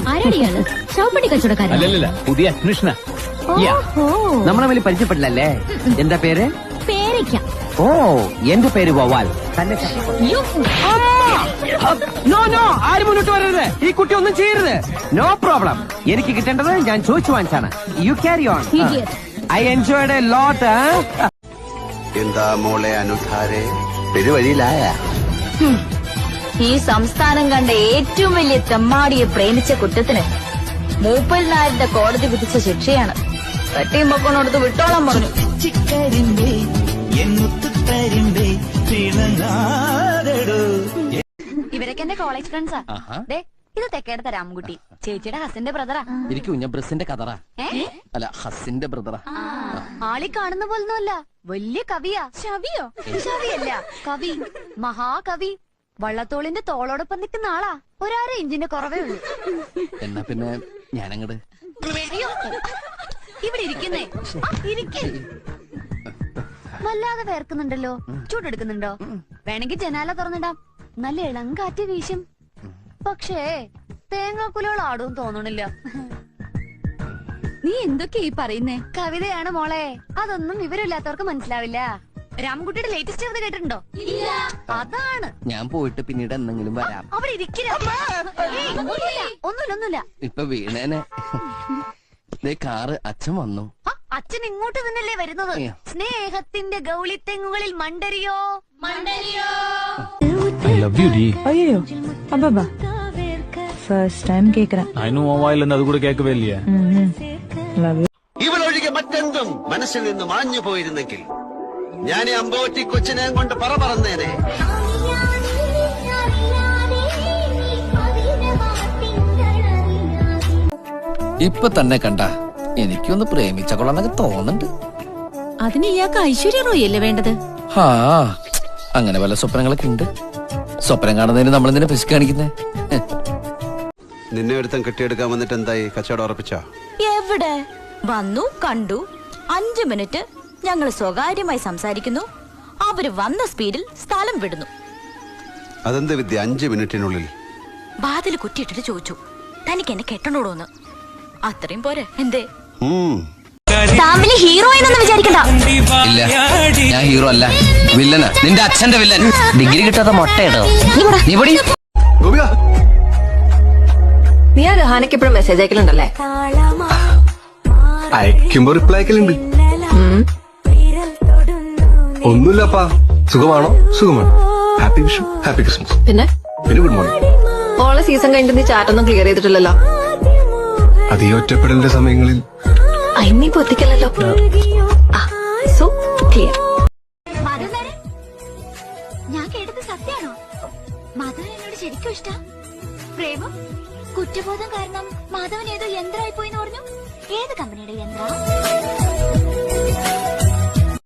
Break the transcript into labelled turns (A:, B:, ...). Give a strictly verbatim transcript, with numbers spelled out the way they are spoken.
A: ആരാടിയാണ്? ഷോപ്പടി കച്ചവടക്കാരൻ?
B: അല്ലല്ല, പുതിയ അഡ്മിഷനാ.
C: നമ്മളെ വലിയ പരിചയപ്പെട്ടില്ലല്ലേ? എന്താ പേര്?
A: പേരയ്ക്ക.
C: ഓ, എന്റെ പേര് വവാൽ. നോ നോ, ആരും മുന്നോട്ട് വരരുത്. ഈ കുട്ടി ഒന്നും ചെയ്യരുത്. No problem. എനിക്ക് കിട്ടേണ്ടത് ഞാൻ ചോദിച്ചു വാങ്ങിച്ചാണ്. You carry on. I enjoyed a lot.
D: എന്താ മോളെ അനുധാരെ, പെരുവഴിയിലായ?
E: ഈ സംസ്ഥാനം കണ്ട ഏറ്റവും വലിയ തെമ്മാടിയെ പ്രേമിച്ച കുറ്റത്തിന് മൂപ്പൽ നായരുടെ കോടതി വിധിച്ച ശിക്ഷയാണ്. തട്ടിയും പൊക്കോണടുത്ത് വിട്ടോളം പറഞ്ഞു. ഇവരൊക്കെ എന്റെ കോളേജ് ഫ്രണ്ട്സാ. ഇത് തെക്കേടത്തെ രാമൻകുട്ടി, ചേച്ചിയുടെ ഹസിന്റെ ബ്രദറാ.
C: എനിക്ക് കുഞ്ഞബ്രസിന്റെ കഥറാ. അല്ല, ഹസിന്റെ ബ്രദറാ.
E: ആളി കാണുന്ന പോലൊന്നുമല്ല, വലിയ കവിയാ. ശവിയോ? ശവിയല്ല, കവി, മഹാകവി. വള്ളത്തോളിന്റെ തോളോടൊപ്പം നിൽക്കുന്ന ആളാ. ഒരാറ് ഇഞ്ചിന്റെ കുറവേ ഉള്ളൂ.
C: എന്നാ പിന്നെ ഞാനങ്ങട്
E: ഇവിടെ ഇരിക്കുന്നേ. ഇരിക്കേ. വല്ലാതെ വേർക്കുന്നുണ്ടല്ലോ. ചൂടെടുക്കുന്നുണ്ടോ? വേണമെങ്കിൽ ജനാല തുറന്നിടാം. നല്ല ഇളം കാറ്റ് വീശും. പക്ഷേ തേങ്ങാക്കുലകൾ ആടും തോന്നണില്ല. നീ എന്തൊക്കെയാ ഈ പറയുന്നേ? കവിതയാണ് മോളെ. അതൊന്നും വിവരമില്ലാത്തവർക്ക് മനസ്സിലാവില്ല. രാമൻകുട്ടിയുടെ ലേറ്റസ്റ്റ് കവിത കേട്ടിട്ടുണ്ടോ? അതാണ്.
C: ഞാൻ പോയിട്ട് പിന്നീട് എന്തെങ്കിലും വരാം.
E: അവിടെ ഇരിക്കില്ല. ഒന്നുമില്ല ഒന്നുമില്ല.
C: ഇപ്പൊ വീണേനെ. കാറ് അച്ഛൻ വന്നു.
E: അച്ഛൻ ഇങ്ങോട്ട് തന്നെയല്ലേ വരുന്നത്? സ്നേഹത്തിന്റെ ഗൗളിത്തെങ്ങുകളിൽ മണ്ടരിയോ മണ്ടരിയോ.
B: I love you, Dee.
F: അയ്യോ അബ്ബാ, ഫസ്റ്റ് ടൈം കേക്കുறேன்.
B: I know മൊബൈലിൽ അത് കൂടെ കേൾക്കവേ ഇല്ല.
F: Love you.
D: ഇവളൊഴികെ മറ്റെന്തും മനസ്സിൽ നിന്ന് മാഞ്ഞു പോയിരുന്നെങ്കിൽ ഞാൻ ഈ അമ്പോറ്റി കൊച്ചിനെ കൊണ്ട് പറ പറന്നേനെ.
C: ഇപ്പൊ തന്നെ കണ്ട എനിക്കൊന്ന് പ്രേമിച്ച കൊള്ളാന്നൊക്കെ തോന്നുന്നുണ്ട്.
A: അതിന് ഇയാൾക്ക് ഐശ്വര്യ റോയ് അല്ലേ വേണ്ടത്?
C: ഹാ, അങ്ങനെ പല സ്വപ്നങ്ങളൊക്കെ ഉണ്ട്. സ്വപ്നം കാണുന്നതിന് നമ്മളെന്തിനാ പിശു കാണിക്കുന്നേ?
D: നിന്നെ ഒരുത്തം കെട്ടിയെടുക്കാൻ വന്നിട്ട് എന്തായി? കച്ചവടം ഉറപ്പിച്ചോ?
E: എവിടെ? വന്നു, കണ്ടു. അഞ്ചു മിനിറ്റ് ഞങ്ങൾ സ്വകാര്യമായി സംസാരിക്കുന്നു. അവര് വന്ന സ്പീഡിൽ സ്ഥലം വിടുന്നു.
D: അതെന്ത് വിദ്യ? അഞ്ചു മിനിറ്റിനുള്ളിൽ
E: ബാതിൽ കുറ്റിയിട്ടിട്ട് ചോദിച്ചു, തനിക്ക് എന്നെ കെട്ടണോടോന്ന്. അത്രയും പോരെ? എന്തേ ഫാമിലി ഹീറോ എന്നൊന്നും വിചാരിക്കണ്ട.
C: ഇല്ല, ഞാൻ ഹീറോ അല്ല, വില്ലനാ. നിന്റെ അച്ഛന്റെ വില്ലൻ. ഡിഗ്രി കിട്ടാത്ത മൊട്ടയിടോ നീ പൊടി.
G: നീ ആ രഹാനക്ക് എപ്പോഴും മെസ്സേജ് അയക്കലുണ്ടല്ലേ?
H: അയക്കുമ്പോ റിപ്ലൈ അയക്കലുണ്ട്. ഒന്നുമില്ലപ്പാ, സുഖമാണോ? സുഖമാണ്. Happy Vishu, happy Christmas.
G: പിന്നെ
H: പിന്നെ ഗുഡ് മോർണിംഗ്.
G: ഓളെ സീസൺ കഴിഞ്ഞിട്ട് നീ ചാറ്റൊന്നും ക്ലിയർ ചെയ്തിട്ടില്ലല്ലോ.
H: അത് ഈ ഒറ്റപ്പെടലിന്റെ സമയങ്ങളിൽ
G: അയിന്നീ പൊത്തിക്കല്ലോ. So clear.
E: ഞാൻ കേട്ടത് സത്യാണോ? മാധവൻ എന്നോട് ശരിക്കും ഇഷ്ട? പ്രേമം? കുറ്റബോധം കാരണം മാധവൻ ഏതോ യന്ത്രമായി പോയിന്ന് പറഞ്ഞു. ഏത് കമ്പനിയുടെ യന്ത്രം?